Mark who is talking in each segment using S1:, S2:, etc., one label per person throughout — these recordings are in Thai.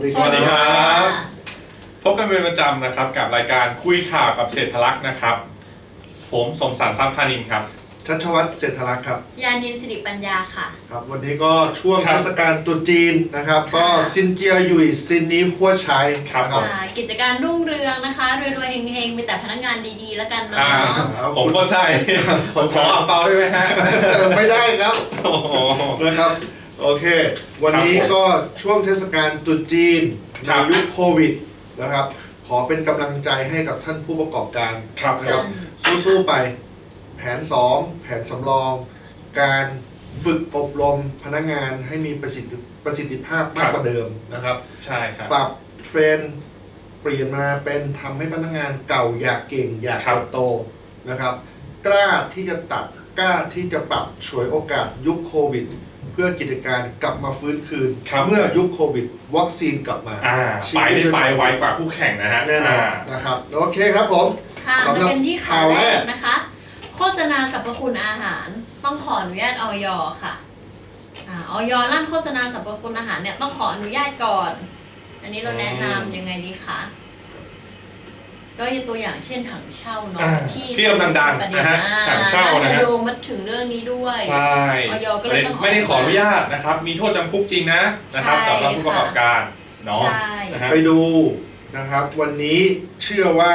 S1: ดีค
S2: สวัสดีครั
S1: รับ
S2: พบกันเป็นประจำนะครับกับรายการคุยข่าวกับเศรษฐลักษณ์นะครับ ผมสมศักดิ์ทรัพย์พานินครับ
S1: ชัชวัฒน์เศรษฐลักษณ์ครับ
S3: ยานินสิริปัญญาค่ะ
S1: ครับ วันนี้ก็ช่วง
S2: ครับ
S1: เทศกาลตรุษจีนนะครับ ก็ซินเจียหยุยซินนี้หัวใช้
S2: ครับ
S1: นะครับ
S3: กิจการรุ่งเรืองนะคะรวยๆเฮงๆมีแต่พนักงานดีๆแล้วกันเนาะ
S2: ผมก็ใช่ ผมขออ่างเปาได้ไหมฮะ
S1: ไม่ได้ครับ
S2: โอ้โห
S1: นะครับ โอเค วันนี้
S2: ครับผม
S1: ก็ช่วงเทศกาลตรุษจีน
S2: ครั
S1: ใน
S2: บ
S1: ยุคโควิดนะครับ ขอเป็นกำลังใจให้กับท่านผู้ประกอบการ
S2: ครับ
S1: นะครับ สู้ๆไป แผน 2 แผนสำรอง การฝึกอบรมพนักงานให้มีประสิทธิภาพมากกว่าเดิมนะครับ
S2: ใช่ครับ
S1: ปรับเทรนด์เปลี่ยนมาเป็นทำให้พนักงานเก่าอยากเก่งอยาก
S2: ครับ
S1: เติบโตนะครับ กล้าที่จะตัดกล้าที่จะปรับฉวยโอกาสยุคโควิด เพื่อกิจการกลับมาฟื้นคืน
S2: ครับ
S1: เมื่อยุคโควิด วัคซีนกลับมา
S2: ไปได้ไปไวกว่าคู่แข่งนะฮะ
S1: แน่นอนนะครับโอเคครับผม
S3: ค่ะ
S1: สำหรับ
S3: มาเป็นที่ข่าว
S1: ข่าว
S3: แร
S1: แรก
S3: กนะคะ โฆษณาสรรพคุณอาหารต้องขออนุญาตอย.ค่ะอย.ลั่นโฆษณาสรรพคุณอาหารเนี่ยต้องขออนุญาตก่อน อันนี้เราแนะนำยังไงดีคะก็ยกตัวอย่างเช่นถังเช่าเนาะ
S2: ที่กำลังดัง
S3: ประเด็น
S2: นะฮะถังเช่านะ
S3: จะ
S2: ฮะ
S3: โยงมาถึงเรื่องนี้ด้วย
S2: ใช่
S3: อยก็เลยต้อง
S2: ไม่ได้ขออนุญาตนะครับ มีโทษจำคุกจริงนะครับ
S3: ใช่
S2: สำหรับผู้ประกอบการเนาะ
S3: ใช่
S2: นะฮะ
S1: ไปดูนะครับ วันนี้เชื่อว่า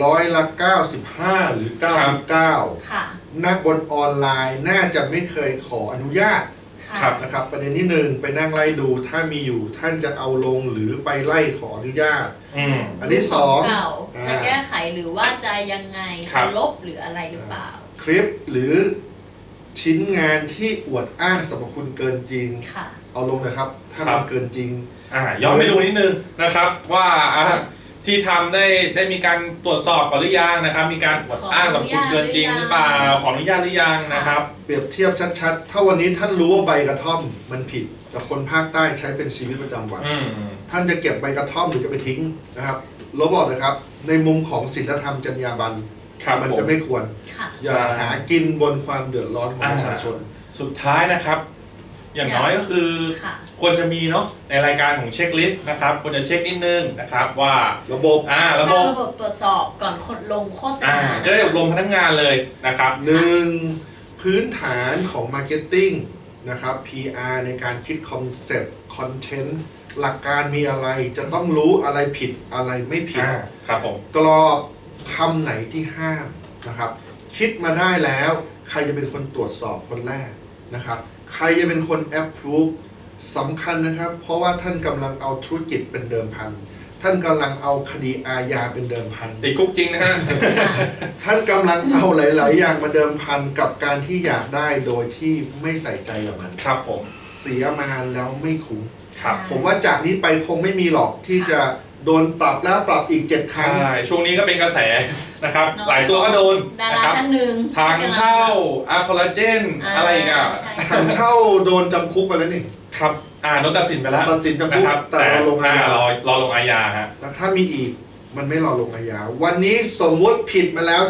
S1: 95%หรือ 99
S3: ค่ะ
S1: นักบนออนไลน์น่าจะไม่เคยขออนุญาต
S3: ค่ะ
S1: นะครับ ประเด็นที่ 1 ไปนั่งไล่ดูถ้ามีอยู่ท่านจะเอาลงหรือไปไล่ขออนุญาต
S2: อืม
S1: อันที่
S3: เก่า
S1: 2
S3: จะแก้ไขหรือว่าจะยังไง
S2: ครั
S3: จะ
S2: บ
S3: ลบหรืออะไรหรือเปล่า
S1: คลิปหรือชิ้นงานที่อวดอ้างสรรพคุณเกินจริง
S3: ค่ะ
S1: เอาลงนะครับ ถ้า
S2: ครั
S1: มัน
S2: บ
S1: เกินจริง
S2: ย้อนไปดูนิดนึงนะครับว่าที่ทำได้มีการตรวจสอบก่อนหรือยังนะครับ มีการอวดอ้างสรรพคุณเกินจริงหรือเปล่าขออนุญาตหรือยังนะครับ
S1: เปรียบเทียบชัดๆ ถ้าวันนี้ท่านรู้ว่าใบกระท่อมมันผิดแต่คนภาคใต้ใช้เป็นชีวิตประจำวัน
S2: อืม
S1: ท่านจะเก็บใบกระท่อมหรือจะไปทิ้งนะครับเราบอกเลยครับ ในมุมของศีลธรรมจรรยาบรรณ
S2: ครับ
S1: มัน
S2: ผ
S1: จะ
S2: ม
S1: ไม่ควร
S3: ค่ะ
S1: อย่าหากินบนความเดือดร้อนของประชาชน
S2: สุดท้ายนะครับ อย่างน้อยก็คือ
S3: ค่ะ
S2: ควรจะมีเนาะในรายการของเช็คลิสต์นะครับควรจะเช็คนิดนึงนะครับว่า
S1: ระบบ
S2: ระ
S3: ส
S2: บ
S3: ร้าง
S2: บ
S3: ระบบตรวจสอบก่อนคนลงโฆษณา
S2: จะได้อบรมพนักงานเลยนะครับ
S1: หนึ่งพื้นฐานของ Marketing นะครับ PR ในการคิดคอนเซปต์คอนเทนต์หลักการมีอะไรจะต้องรู้อะไรผิดอะไรไม่ผิด
S2: ครับผม
S1: กรอบคำไหนที่ห้ามนะครับ คิดมาได้แล้วใครจะเป็นคนตรวจสอบคนแรกนะครับ ใครจะเป็นคน approve สำคัญนะครับ เพราะว่าท่านกำลังเอาธุรกิจเป็นเดิมพัน ท่านกำลังเอาคดีอาญาเป็นเดิมพัน
S2: ติดคุกจริงนะฮะ
S1: ท่านกำลังเอาหลาย ๆ อย่างมาเดิมพันกับการที่อยากได้โดยที่ไม่ใส่ใจกับมัน
S2: ครับผม
S1: เสียมาแล้วไม่คุ้ม
S2: ครับ
S1: ผมว่าจากนี้ไปคงไม่มีหรอกที่จะโดนปรับแล้วปรับอีก 7 ครั้ง
S2: ใช่ช่วงนี้ก็เป็นกระแสนะครับ
S3: เนอะ
S2: หลายตัวก็โดน
S3: ดา
S2: นะ
S3: รา
S2: ครับ
S3: ท่านหนึ่ง
S2: ทางเช่าคอลลาเจนอะไรอีกอ่ะ
S3: ใช่
S1: ทางเช่าโดนจำคุกไปแล้วนี่
S2: ครับโดนตัดสินไปแล้ว
S1: ตัดสินจำคุก
S2: นะครับ
S1: แต่เราลงอาญา
S2: รอลงอาญาฮะ
S1: แล้วถ้ามีอีกมันไม่รอลงอาญาวันนี้สมมุติผิดมาแล้ว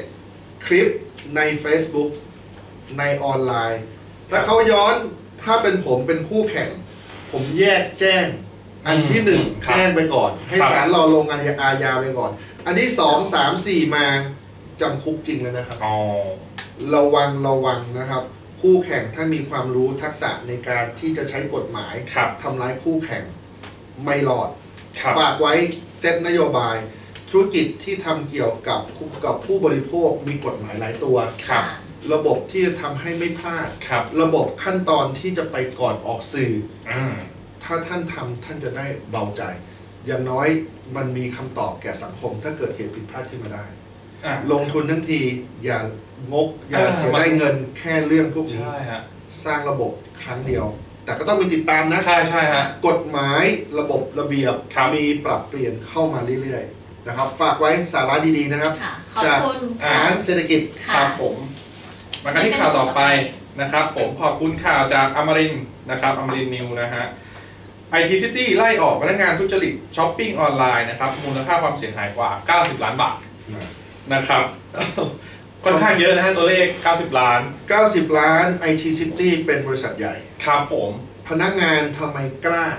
S1: 7 คลิปใน Facebook ในออนไลน์ ถ้าเขาย้อนถ้าเป็นผมเป็นคู่แข่ง ผมแยกแจ้ง อันที่ 1 แจ้งไปก่อน ให้ศาลรอลงอาญาไปก่อน อันที่ 2 3 4 มาจำคุกจริงเลยนะครับ
S2: อ๋อ
S1: ระวังนะครับ คู่แข่งถ้ามีความรู้ทักษะในการที่จะใช้กฎหมาย
S2: ครับ
S1: ทำร้ายคู่แข่งไม่รอด
S2: ครับ
S1: ฝากไว้เซตนโยบาย ธุรกิจที่ทำเกี่ยวกับผู้บริโภคมีกฎหมายหลายตัว
S2: ครับ
S1: ระบบที่จะทำให้ไม่พลาด
S2: ครับ
S1: ระบบขั้นตอนที่จะไปก่อนออกสื่อ
S2: อืม
S1: ถ้าท่านทำท่านจะได้เบาใจ อย่างน้อยมันมีคำตอบแก่สังคม ถ้าเกิดเหตุผิดพลาดขึ้นมาได้
S2: อ่ะ
S1: ลงทุนทั้งทีอย่างกอย่าเสียได้เงินแค่เรื่องพวกนี้
S2: ใช่ฮะ
S1: สร้างระบบครั้งเดียว แต่ก็ต้องมีติดตามนะ
S2: ใช่ฮะ
S1: กฎหมายระบบระเบียบ
S2: ครับ
S1: มีปรับเปลี่ยนเข้ามาเรื่อยๆนะครับ ฝากไว้สาระดีๆนะครับ
S3: ค่ะ ขอบ
S1: จาก
S3: คุณ
S1: ฐา
S3: ค่ะ
S1: นเศรษฐกิจ
S2: ค
S3: ค่ะ
S2: รับผมมากันที่ข่าวต่อไปนะครับ ผมขอบคุณข่าวจากอมรินทร์นะครับอมรินทร์นิวนะฮะ IT City ไล่ออกพนักงานทุจริตช้อปปิ้งออนไลน์นะครับมูลค่าความเสียหายกว่า 90 ล้านบาทนะครับ ค่อนข้างเยอะนะฮะตัวเลข 90 ล้าน
S1: 90 ล้าน IT City เป็นบริษัทใหญ่
S2: ครับผม
S1: พนักงานทำไมกล้า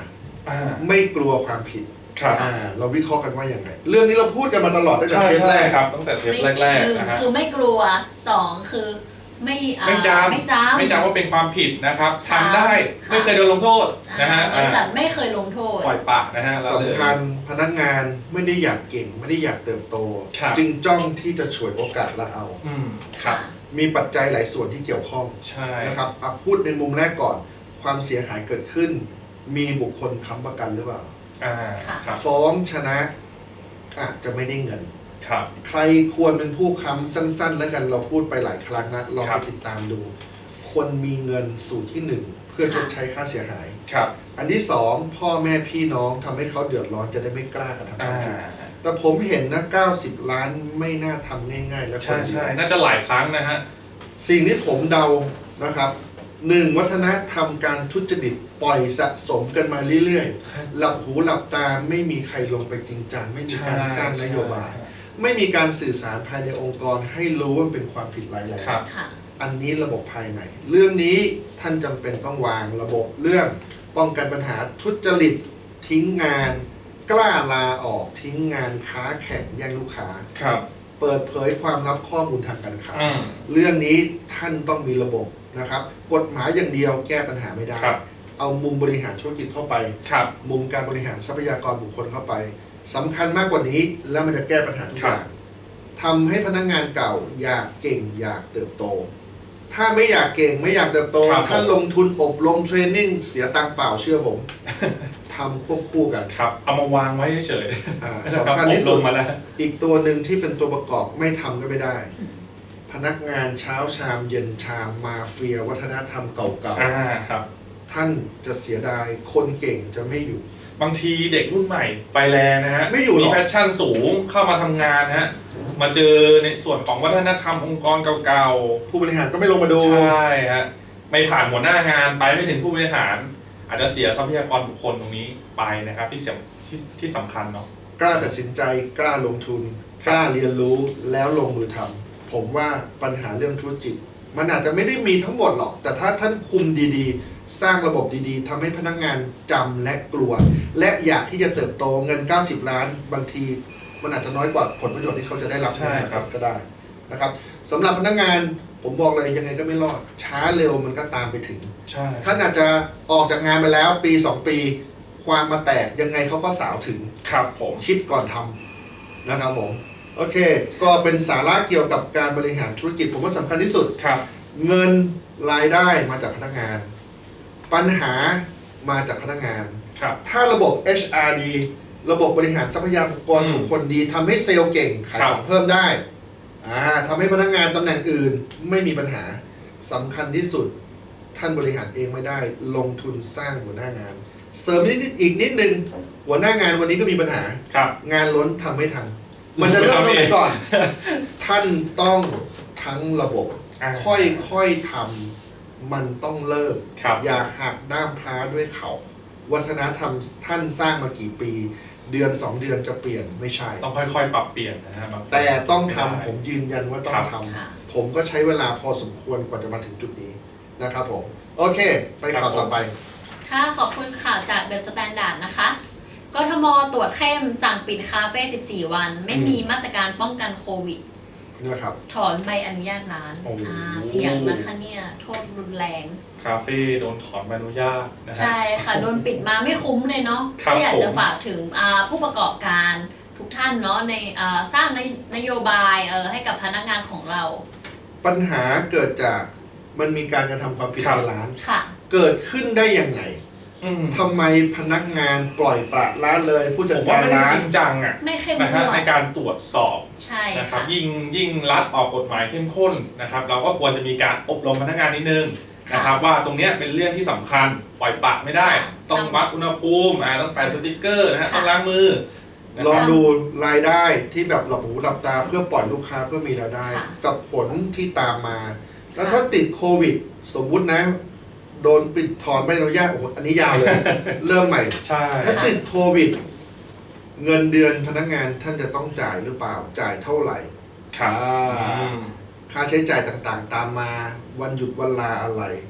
S1: ไม่กลัวความผิด
S2: ครับ
S1: เราวิเคราะห์กันว่าอย่างไรเรื่องนี้เราพูดกันมาตลอดตั้งแต่
S2: ใช่
S1: เทปแร
S2: ใช่
S1: ก
S2: ครับตั้งแต่เทปแรก
S3: หนึ่ง
S2: ๆนะฮะ
S3: คือไม่กลัวสองคือไม่
S2: ไม่จำ
S3: ไม่จำ
S2: ว่าเป็นความผิดนะครับ
S3: ค่ะ
S2: ทำได้
S3: ค่ะ
S2: ไม่เคยโดนลงโทษนะฮะ
S3: บริษัทไม่เคยลงโทษ
S2: ปล่อยปะนะฮะเราเลย
S1: สำคัญพนักงานไม่ได้อยากเก่ง ไม่ได้อยากเติบโต
S2: ครับ
S1: จึงจ้องที่จะฉวยโอกาสและเอา
S2: ครับ
S1: มีปัจจัยหลายส่วนที่เกี่ยวข้อง
S2: ใช่
S1: นะครับพูดในมุมแรกก่อน ความเสียหายเกิดขึ้น มีบุคคลค้ำประกันหรือเปล่า
S3: ค่ะ
S2: ครับ
S1: ฟ้องชนะอาจจะไม่ได้เงิน
S2: ครับ
S1: ใครควรเป็นผู้ค้ำสั้น ๆ แล้วกันเราพูดไปหลายครั้งนะลอง
S2: ครั
S1: ไป
S2: บ
S1: ติดตามดู คนมีเงินสูตรที่หนึ่งเพื่อชดใช้ค่าเสียหาย
S2: ครับ
S1: อันที่สองพ่อแม่พี่น้องทำให้เขาเดือดร้อนจะได้ไม่กล้ากระทำความผิด
S2: อ่า
S1: แต่ผมเห็นนะ90 ล้านไม่น่าทำง่าย ๆ และค
S2: ใช่
S1: นเดียว
S2: ใช่น่าจะหลายครั้งนะฮะ
S1: สิ่งที่ผมเดานะครับหนึ่งวัฒนธรรมการทุจริตปล่อยสะสมกันมาเรื่อยๆ หลับหูหลับตาไม่มีใครลงไปจริงจังไม่มีการสร้างนโยบาย ไม่มีการสื่อสารภายในองค์กรให้รู้ว่าเป็นความผิดร้ายแรง
S2: ครับ
S3: ค่ะ
S1: อันนี้ระบบภายในเรื่องนี้ท่านจำเป็นต้องวางระบบเรื่องป้องกันปัญหาทุจริตทิ้งงาน กล้าลาออกทิ้งงานค้าแข่งแย่งลูกค้า
S2: ครับ
S1: เปิดเผยความลับข้อมูลทางการค้า
S2: อืม
S1: เรื่องนี้ท่านต้องมีระบบนะครับ กฎหมายอย่างเดียวแก้ปัญหาไม่ได้
S2: ครับ
S1: เอามุมบริหารธุรกิจเข้าไป
S2: ครับ
S1: มุมการบริหารทรัพยากรบุคคลเข้าไปสำคัญมากกว่านี้แล้วมันจะแก้ปัญหาทุกอย่างทำให้พนักงานเก่าอยากเก่งอยากเติบโต ถ้าไม่อยากเก่งไม่อยากเติบโต
S2: ครับ
S1: ถ้าลงทุนอบรมเทรนนิ่งเสียตังค์เปล่าเชื่อผม ทำควบคู่กัน
S2: ครับเอามาวางไว้เฉย
S1: อ่า
S2: ๆ
S1: สำคัญที่สุ
S2: อ
S1: ด
S2: บรมมาแล้ว
S1: อีกตัวหนึ่งที่เป็นตัวประกอบไม่ทำก็ไม่ได้ พนักงานเช้าชามเย็นชามมาเฟียวัฒนธรรมเก่า
S2: ครับ
S1: ๆ ท่านจะเสียดายคนเก่งจะไม่อยู่
S2: บางทีเด็กรุ่นใหม่ไฟแรงนะฮะ
S1: ไม่อยู่หรอก
S2: มีแพชชั่นสูงเข้ามาทำงานฮะมาเจอในส่วนของวัฒนธรรมองค์กรเก่า
S1: ผู้บริหารก็ไม่ลงมาดู
S2: ๆใช่ฮะไม่ผ่านหัวหน้างานไปไม่ถึงผู้บริหาร อาจจะเสียทรัพยากรบุคคลตรงนี้ไปนะครับที่เสียที่สำคัญเนาะ
S1: กล้าตัดสินใจกล้าลงทุน กล้าเรียนรู้แล้วลงมือทำผมว่าปัญหาเรื่องธุรกิจมันอาจจะไม่ได้มีทั้งหมดหรอก แต่ถ้าท่านคุมดีๆ สร้างระบบดีๆทำให้พนักงานจำและกลัว และอยากที่จะเติบโตเงิน 90 ล้าน บางทีมันอาจจะน้อยกว่าผลประโยชน์ที่เขาจะได้รับ
S2: ใช่ครับ
S1: ก็ได้นะครับสำหรับพนักงานผมบอกเลยยังไงก็ไม่รอด ช้าเร็วมันก็ตามไปถึง
S2: ใช่
S1: ท่านอาจจะออกจากงานไปแล้วปี 2 ปี ความมาแตกยังไงเขาก็สาวถึง
S2: ครับผม
S1: คิดก่อนทำนะครับผม โอเค ก็เป็นสาระเกี่ยวกับการบริหารธุรกิจ ผมว่าสำคัญที่สุด
S2: ครับ
S1: เงินรายได้มาจากพนักงาน ปัญหามาจากพนักงาน
S2: ครับ
S1: ถ้าระบบ HR ดี ระบบบริหารทรัพยากรบุคคลดีทำให้เซลล์เก่ง ขายของเพิ่มได้ทำให้พนักงานตำแหน่งอื่นไม่มีปัญหาสำคัญที่สุด ท่านบริหารเองไม่ได้ ลงทุนสร้างหัวหน้างาน เสริมอีกนิดนึงหัวหน้างานวันนี้ก็มีปัญหา
S2: ครับ
S1: งานล้นทำไม่ทัน มันจะเริ่มตรงไหนก่อน ท่านต้องทั้งระบบ ค่อยๆทำมันต้องเริ่ม
S2: ครับ
S1: อย่าหักด้ามพร้าด้วยเขาวัฒนธรรมท่านสร้างมากี่ปี เดือน 2 เดือนจะเปลี่ยนไม่ใช่
S2: ต้องค่อยๆ ปรับเปลี่ยนนะฮะบางที
S1: แต่ต้องทำ
S2: ไได้
S1: ผมยืนยันว่าต้อ
S2: ครั
S1: ง
S2: บ
S1: ท
S3: ค่ะ
S1: ำผมก็ใช้เวลาพอสมควรกว่าจะมาถึงจุดนี้นะครับผม โอเค ไปข่าวต่อไป
S3: ค่ะขอบคุณข่าวจากเดอะสแตนดาร์ดนะคะ กทมตรวจเข้มสั่งปิดคาเฟ่ 14 วัน ไม่มีมาตรการป้องกันโควิด
S1: นะครับ
S3: ถอนใบอนุญาตร้าน
S2: โอ้โห
S3: เสี่ยงนะคะเนี่ยโทษรุนแรง
S2: คาเฟ่โดนถอนใบอนุญาตนะฮะ
S3: ใช่ค่ะ โดนปิดมาไม่คุ้มเลยเนาะ
S2: ครับ
S3: ก็อยากจะ
S2: ผม
S3: ฝากถึงผู้ประกอบการทุกท่านเนาะในสร้างนโยบายให้กับพนักงานของเรา
S1: ปัญหาเกิดจากมันมีการกระทำความผิด
S2: ครับ
S1: ในร้าน
S3: ค่ะ
S1: เกิดขึ้นได้ยังไง
S2: อืม
S1: ทำไมพนักงานปล่อยปละละเลย ผู้
S2: ผ
S1: จัด
S2: มว่าก
S1: า
S2: ไม่
S1: ร
S2: ได้
S1: ร้า
S2: จ
S1: น
S2: ริงจังอ่ะ
S3: ไม่เข้ม
S2: นะ
S3: ง
S2: ฮะ
S3: ว
S2: ใน
S3: ด
S2: การตรวจสอบ
S3: ใช่
S2: นะครับ
S3: ค่ะ
S2: ยิ่งรัฐออกกฎหมายเข้มข้นนะครับ เราก็ควรจะมีการอบรมพนักงานนิดนึงนะครับ ว่าตรงเนี้ยเป็นเรื่องที่สำคัญปล่อยปละไม่ได้
S3: ค่ะ
S2: ต้องวัดอุณหภูมิต้องแปะสติ๊กเกอร์นะฮะ
S3: ค่ะ
S2: ต้องล้างมือนะ
S1: ล
S2: ค
S1: อง
S2: รับ
S1: ดูรายได้ที่แบบหลับหูหลับตาเพื่อปล่อยลูกค้าเพื่อมีรายได้
S3: ค่ะ
S1: กับผลที่ตามมา แล้ว
S3: ค่ะ
S1: ถ้าติดโควิด สมมุตินะ โดนปิดถอนใบอนุญาตโอ้โหอันนี้ยาวเลย เริ่มใหม่
S2: ใช่
S1: ถ้าติดโควิด เงินเดือนพนักงานท่านจะต้องจ่ายหรือเปล่าจ่ายเท่าไหร่
S2: ครับ
S1: ค่าใช้จ่ายต่างๆ ตามมาวันหยุดวันลาอะไร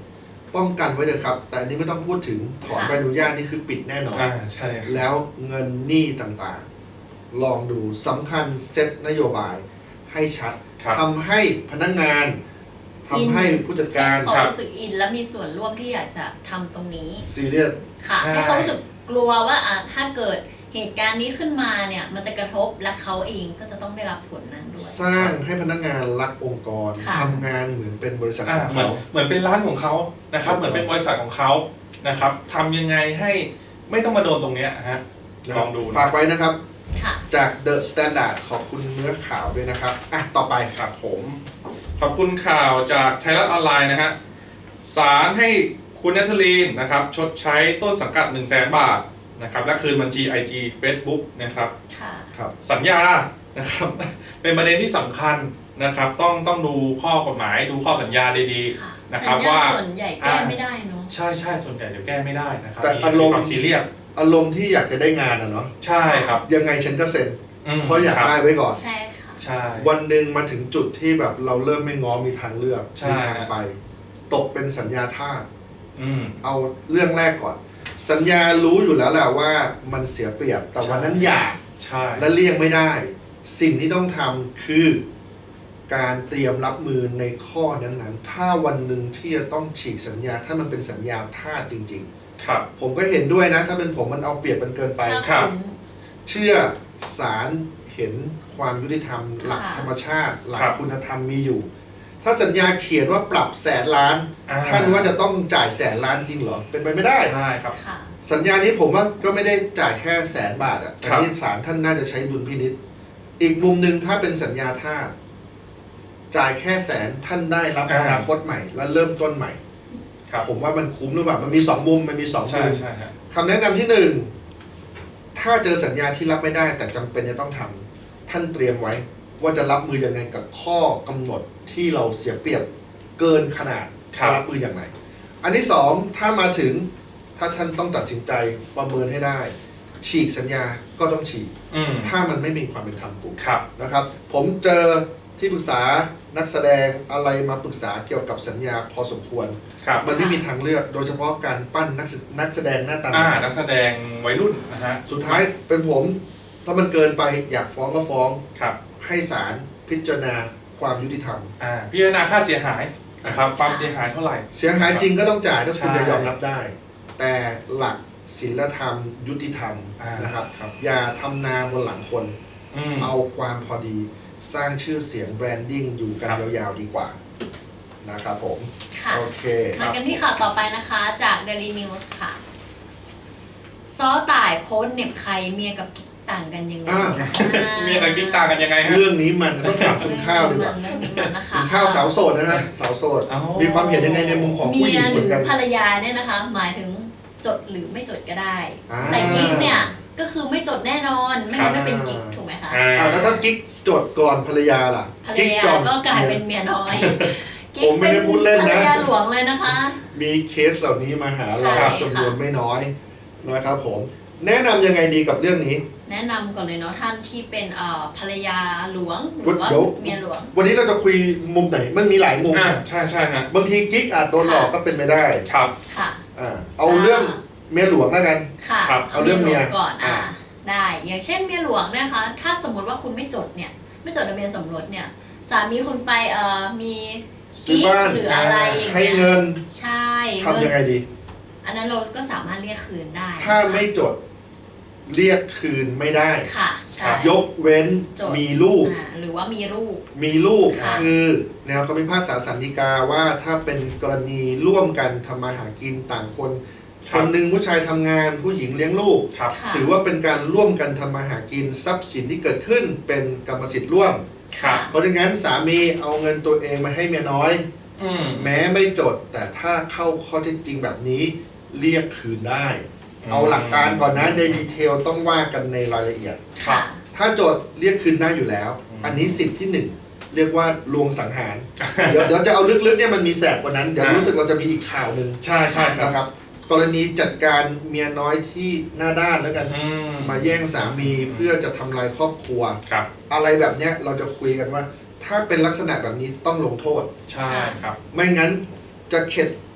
S1: ป้องกันไว้เลยครับ แต่อันนี้ไม่ต้องพูดถึงถอนใบอนุญาตนี่คือปิดแน่นอน
S2: ใช่ครับ
S1: แล้วเงินหนี้ต่างๆ ลองดูสำคัญเซตนโยบายให้ชัด
S2: ครับ
S1: ทำให้พนักงานทำให้ผู้จัดการ
S3: เขารู้สึกอินและมีส่วนร่วมที่อยากจะทำตรงนี้
S1: ซีเรียส
S3: ค่ะ
S2: ใช่
S3: ให้เขารู้สึกกลัวว่าถ้าเกิดเหตุการณ์นี้ขึ้นมาเนี่ยมันจะกระทบและเขาเองก็จะต้องได้รับผลนั้นด้วย
S1: สร้างให้พนักงานรักองค์กร
S3: ค่ะ
S1: ทำงานเหมือนเป็นบริษัทของ
S2: เหมือน
S1: เขา
S2: เหมือนเป็นร้านของเขานะครับ เหมือนเป็นบริษัทของเขานะครับทำยังไงให้ไม่ต้องมาโดนตรงเนี้ยฮะลองดูนะ
S1: ฝากไว้นะครับ
S3: ค่ะ
S1: จาก The Standard ขอบคุณเนื้อข่าวด้วยนะครับต่อไป
S2: ครับผมขอบคุณข่าวจากไทยรัฐออนไลน์นะฮะศาลให้คุณนัทลีนนะครับชดใช้ต้นสังกัด 100,000 บาทนะครับและคืนบัญชี IG Facebook นะครับ
S3: ค่ะ
S1: ครับ
S2: สัญญานะครับ เป็นประเด็นที่สำคัญนะครับต้องดูข้อกฎหมายดูข้อสัญญาดี
S3: ค่ะ
S2: ๆนะครับ
S3: สัญญา
S2: ว่า
S3: ส่วนใหญ่แก้ไม่ได้เนาะ
S2: ใช่ส่วนใหญ่จะแก้ไม่ได้นะครับ
S1: แต่
S2: มี
S1: อารมณ์
S2: ความซีเรียส
S1: อารมณ์ที่อยากจะได้งานเนาะ
S2: ใช่ครับ
S1: ยังไงฉันก็เซ็น
S2: ม
S1: เพราะอยาก
S2: ครับ
S1: ได้ไว้ก่อน
S3: ใช่ค่ะ
S2: ใช่
S1: วันหนึ่งมาถึงจุดที่แบบเราเริ่มไม่ง้อมีทางเลือก
S2: ใช่
S1: มีทางไป ตกเป็นสัญญาทาส
S2: อืม
S1: เอาเรื่องแรกก่อน สัญญารู้อยู่แล้วแหละว่ามันเสียเปรียบ แต่วันนั้นอยาก
S2: ใช่
S1: และเลี่ยงไม่ได้ สิ่งที่ต้องทำคือการเตรียมรับมือในข้อนั้นๆ ถ้าวันหนึ่งที่จะต้องฉีกสัญญา ถ้ามันเป็นสัญญาทาสจริง
S2: ครับ
S1: ๆ ผมก็เห็นด้วยนะ ถ้าเป็นผมมันเอาเปรียบมันเกินไป
S2: ครับ
S1: เชื่อศาลเห็นความยุติธรรม หลัก
S3: ค่ะ
S1: ธรรมชาติ หลัก
S2: ครับ
S1: คุณธรรมมีอยู่ ถ้าสัญญาเขียนว่าปรับ100,000,000,000 ท่านว่าจะต้องจ่าย100,000,000,000จริงเหรอ เป็นไปไม่ได้
S2: ใช่ครับ
S3: ค่ะ
S1: สัญญานี้ผมว่าก็ไม่ได้จ่ายแค่100,000,000 บาทอ่ะแต่
S2: ครับ
S1: นี่ศาลท่านน่าจะใช้ดุลพินิจอีกมุมหนึ่งถ้าเป็นสัญญาทาสจ่ายแค่100,000ท่านได้รับอนาคตใหม่ และเริ่มต้นใหม่
S2: ครับ
S1: ผมว่ามันคุ้มหรือเปล่ามันมีสองมุมมันมีสอง
S2: ใช่
S1: มุม
S2: ใช่ฮะ
S1: คำแนะนำที่หนึ่งถ้าเจอสัญญาที่รับไม่ได้ แต่จำเป็นจะต้องทำท่านเตรียมไว้ ว่าจะรับมือยังไงกับข้อกำหนดที่เราเสียเปรียบเกินขนาด
S2: ครับ
S1: จะรับมืออย่างไรอันที่สองถ้ามาถึงถ้าท่านต้องตัดสินใจประเมินให้ได้ ฉีกสัญญาก็ต้องฉีก
S2: อืม
S1: ถ้ามันไม่มีความเป็นธรรมปุ๊บ
S2: ครับ
S1: นะครับ ผมเจอที่ปรึกษานักแสดงอะไรมาปรึกษาเกี่ยวกับสัญญาพอสมควร
S2: ครับ
S1: มันไม่มีทางเลือก โดยเฉพาะการปั้นนักแสดงหน้าตา
S2: นักแสดงวัยรุ่นนะฮะ
S1: สุดท้ายเป็นผมถ้ามันเกินไปอยากฟ้องก็ฟ้อง
S2: ครับ
S1: ให้ศาลพิจารณาความยุติธรรม
S2: พิจารณาค่าเสียหายนะครับความเสียหายเท่าไหร่
S1: เสียหายจริงก็ต้องจ่ายถ้าคุณ
S2: ใช่
S1: จะยอมรับได้ แต่หลักศีลธรรมยุติธรรมนะครับ
S2: ครับ
S1: อย่าทำนาบนหลังคน
S2: อืม
S1: เอาความพอดีสร้างชื่อเสียงแบรนดิ้งอยู่กัน
S2: ครับ
S1: ยาวๆดีกว่านะครับผม
S3: ค่ะ
S1: โอเค
S3: มากันที่ข่าวต่อไปนะคะจาก Daily News ค่ะ ซ้อต่ายโพสต์เหน็บใครเมียกับกิ๊กต่างกันยังไง
S2: เมียกับกิ๊กต่างกันยังไงฮะ
S1: เรื่องนี้มันต้องถามคุณข้าวดีกว่า
S3: เรื่องนี้มันนะคะ
S1: คุณข้าวสาวโสดนะฮะสาวโสด
S2: อ๋อ
S1: มีความเห็นยังไงในมุมของผู้
S3: เมี
S1: หญิ
S3: ย
S1: ง
S3: ห
S1: เหมื
S3: รือ อน
S1: กัน
S3: ภรรยาเนี่ยนะคะ หมายถึงจดหรือไม่จดก็ได้
S1: อ่า
S3: แต่กิ๊กเนี่ยก็คือไม่จดแน่นอนไม่งั้นไม่เป็นกิ๊กถูกไหมคะ
S1: แล้วถ้ากิ๊กจดก่อนภรรยาล่ะ
S3: ภรร
S1: กิ๊ก
S3: ยา
S1: จอด
S3: ก็กลายเป็นเมียน้อย
S1: ผมไม่ได้พูดเล่นนะ
S3: ภรรยาหลวงเลยนะคะ
S1: มีเคสเหล่านี้มาหาเรา
S3: ใช่
S1: จำนวนไม่น้อยนะครับผมแนะนำยังไงดีกับเรื่องนี้
S3: แนะนำก่อนเลยเนาะท่านที่เป็นภรรยาหลวงหรือว่า
S1: เดี๋ยว
S3: เมียหลวง
S1: วันนี้เราจะคุยมุมไหนมันมีหลายมุม
S2: ใช่ใช่ฮะ
S1: บางทีกิ๊กอาจโดนหลอกก็เป็นไปได้
S2: ครับ
S3: ค่ะ
S1: เอาเรื่องเมียหลวงแล้วกัน
S3: ค่ะ
S2: ครับ
S1: เอาเรื่องเมีย
S3: หลวก่อน
S1: อ่า
S3: ได้ อย่างเช่นเมียหลวงเนะคะ ถ้าสมมติว่าคุณไม่จดเนี่ย ไม่จดทะเบียนสมรสเนี่ย สามีคุณไปมี
S1: ซื้อบ้าน
S3: หรืออะไรอย่าง
S1: ให้
S3: เงี้ย
S1: เงิน
S3: ใช่
S1: ทำยังไงดี
S3: อันนั้นเราก็สามารถเรียกคืนได้
S1: ถ้าไม่จดเรียกคืนไม่ได้
S3: ค่ะใช่
S1: ยกเว้น
S3: จด
S1: มีลูก
S3: หรือว่ามีลูก
S1: มีลูก
S3: ค่ะ
S1: คือแนวคำพิพากษาสันติกาว่าถ้าเป็นกรณีร่วมกันทำมาหากินต่างคน
S2: ค
S1: ครับ นหนึ่งผู้ชายทำงานผู้หญิงเลี้ยงลูก
S2: ครับ
S3: ค่ะ
S1: ถือว่าเป็นการร่วมกันทำมาหากินทรัพย์สินที่เกิดขึ้นเป็นกรรมสิทธิ์ร่วม
S2: ครับ
S1: เพราะฉะนั้นสามีเอาเงินตัวเองมาให้เมียน้อย
S2: อืม
S1: แม้ไม่จด แต่ถ้าเข้าข้อเท็จจริงแบบนี้เรียกคืนได้ เอาหลักการก่อนนะในดีเทลต้องว่ากันในรายละเอียด
S2: ครั
S3: ค่ะ
S2: บ
S1: ถ้าจดเรียกคืนได้อยู่แล้ว อันนี้สิทธิ์ที่หนึ่งเรียกว่าลวงสังหาร เดี๋ยวจะเอาลึกๆเนี่ยมันมีแสบกว่านั้น เดี๋ยวรู้สึกเราจะมีอีกข่าวหนึ่ง
S2: ใช่ใช่ครับ
S1: นะครับ กรณีจัดการเมียน้อยที่หน้าด้านแล้วกัน
S2: อืม
S1: มาแย่งสามีเพื่อจะทำลายครอบครัว
S2: ครับ
S1: อะไรแบบเนี้ยเราจะคุยกันว่า ถ้าเป็นลักษณะแบบนี้ต้องลงโทษ
S2: ใช่ครับ
S1: ไม่งั้นจะเข็ด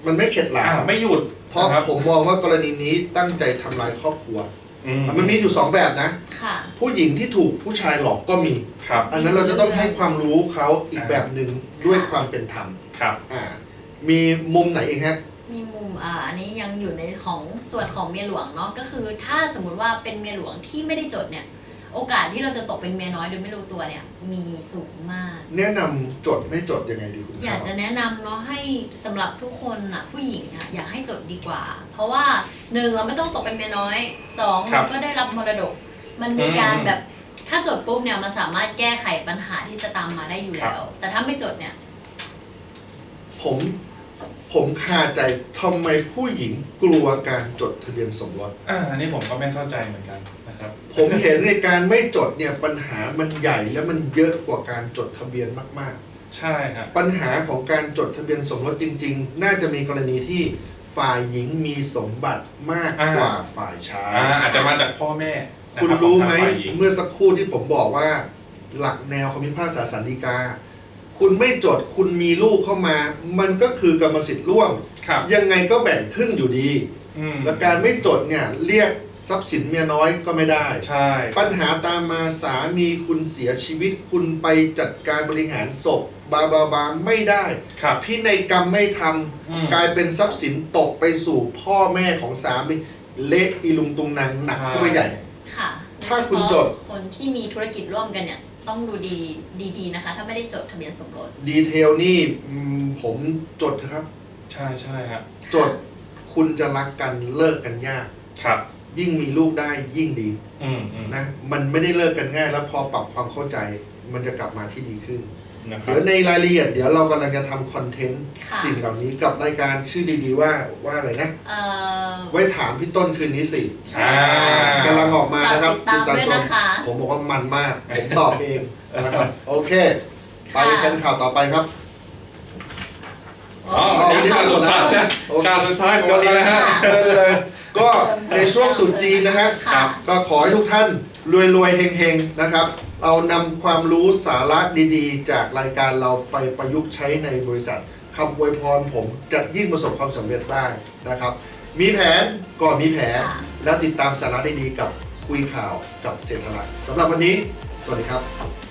S1: มันไม่เข็ดหลาบ
S2: ไม่หยุด
S1: เพราะ
S2: นะครับ
S1: ผมมองว่ากรณีนี้ตั้งใจทำลายครอบครัว มันมีอยู่2แบบนะ
S3: ค่ะ
S1: ผู้หญิงที่ถูกผู้ชายหลอกก็มี
S2: ครับ
S1: อันนั้นเราจะต้องให้ความรู้เขาอีกแบบหนึ่งด้วยความเป็นธรรม
S2: ครับ
S1: มีมุมไหนเองฮะ
S3: มีมุมอันนี้ยังอยู่ในของส่วนของเมียหลวงเนาะก็คือถ้าสมมุติว่าเป็นเมียหลวงที่ไม่ได้จดเนี่ยโอกาสที่เราจะตกเป็นเมียน้อยโดยไม่รู้ตัวเนี่ยมีสูงมาก
S1: แนะนำจดไม่จดยังไงดีคุณ
S3: อยากจะแนะนำเนาะให้สำหรับทุกคนอ่ะผู้หญิงอ่ะอยากให้จดดีกว่า เพราะว่า1เราไม่ต้องตกเป็นเมียน้อย2เราก็ได้รับมรดก มันมีการแบบถ้าจดปุ๊บเนี่ยมันสามารถแก้ไขปัญหาที่จะตามมาได้อยู่แล้ว แต่ถ้าไม่จดเนี่ย
S1: ผมคาใจทำไมผู้หญิงกลัวการจดทะเบียนสมรส
S2: อันนี้ผมก็ไม่เข้าใจเหมือนกันนะครับ
S1: ผมเห็นในการไม่จดเนี่ยปัญหามันใหญ่และมันเยอะกว่าการจดทะเบียนมากๆ
S2: ใช่ครับ
S1: ปัญหาของการจดทะเบียนสมรสจริงๆ น่าจะมีกรณีที่ฝ่ายหญิงมีสมบัติมากกว่าฝ่ายชาย
S2: อาจจะมาจากพ่อแม่นะ
S1: คุณ
S2: บ
S1: รู้ไหม
S2: ของทางฝ่ายญิง
S1: เมื่อสักครู่ที่ผมบอกว่า หลักแนวคำพิพากษาสันติกา คุณไม่จดคุณมีลูกเข้ามา มันก็คือกรรมสิทธิ์ร่วม
S2: ครับ
S1: ยังไงก็แบ่งครึ่งอยู่ดี และการไม่จดเนี่ยเรียกทรัพย์สินเมียน้อยก็ไม่ได้
S2: ใช่
S1: ปัญหาตามมาสามีคุณเสียชีวิตคุณไปจัดการบริหารศพบาไม่ได้
S2: ครับ
S1: พินัยกรรมไม่ท
S2: อืม
S1: ำกลายเป็นทรัพย์สินตกไปสู่พ่อแม่ของสามีเละอีลุงตุงนางหนักขึ้นไปใหญ่
S3: ค่ะ
S1: ถ้าคุณจด
S3: คนที่มีธุรกิจร่วมกันเนี่ยต้องดูดีนะคะ ถ้าไม่ได้จดทะเบียนสมรส
S1: ดีเทลนี่ผมจดเถอะครับ
S2: ใช่ใช่ครับ
S1: จดคุณจะรักกันเลิกกันยาก
S2: ครับ
S1: ยิ่งมีลูกได้ยิ่งดี
S2: อืม
S1: นะมันไม่ได้เลิกกันง่าย แล้วพอปรับความเข้าใจมันจะกลับมาที่ดีขึ้น
S2: นะครับ
S1: เดี๋ยวในรายละเอียดเดี๋ยวเรากำลังจะทำคอนเทนต์
S3: ค่ะ
S1: สิ่งเหล่านี้กับรายการชื่อดีๆว่าอะไรนะ ไว้ถามพี่ต้นคืนนี้สิ
S3: ใช่
S1: กำลังออกมานะครับ
S3: ฝากติดตามด้วยนะคะ
S1: ผมบอกว่ามันมาก ผมตอบเองนะครับ โอเค ไปกันข่าวต่อไปครับ
S2: อ๋ออันนี้ข่าวสุดท้ายนะข่าวสุดท้ายของวันนี้นะฮะ
S1: เลยก็ในช่วงตรุษจีนนะฮะ
S3: ค่ะ
S1: ก็ขอให้ทุกท่านรวยๆเฮงๆนะครับ เอานำความรู้สาระดีๆ จากรายการเราไปประยุกต์ใช้ในบริษัทคำอวยพรผมจะยิ่งประสบความสำเร็จได้นะครับ มีแผนก่อนมีแผน
S3: ค่ะ
S1: แล้วติดตามสาระดีๆกับคุยข่าวกับเศรษฐลักษณ์สำหรับวันนี้ สวัสดีครับ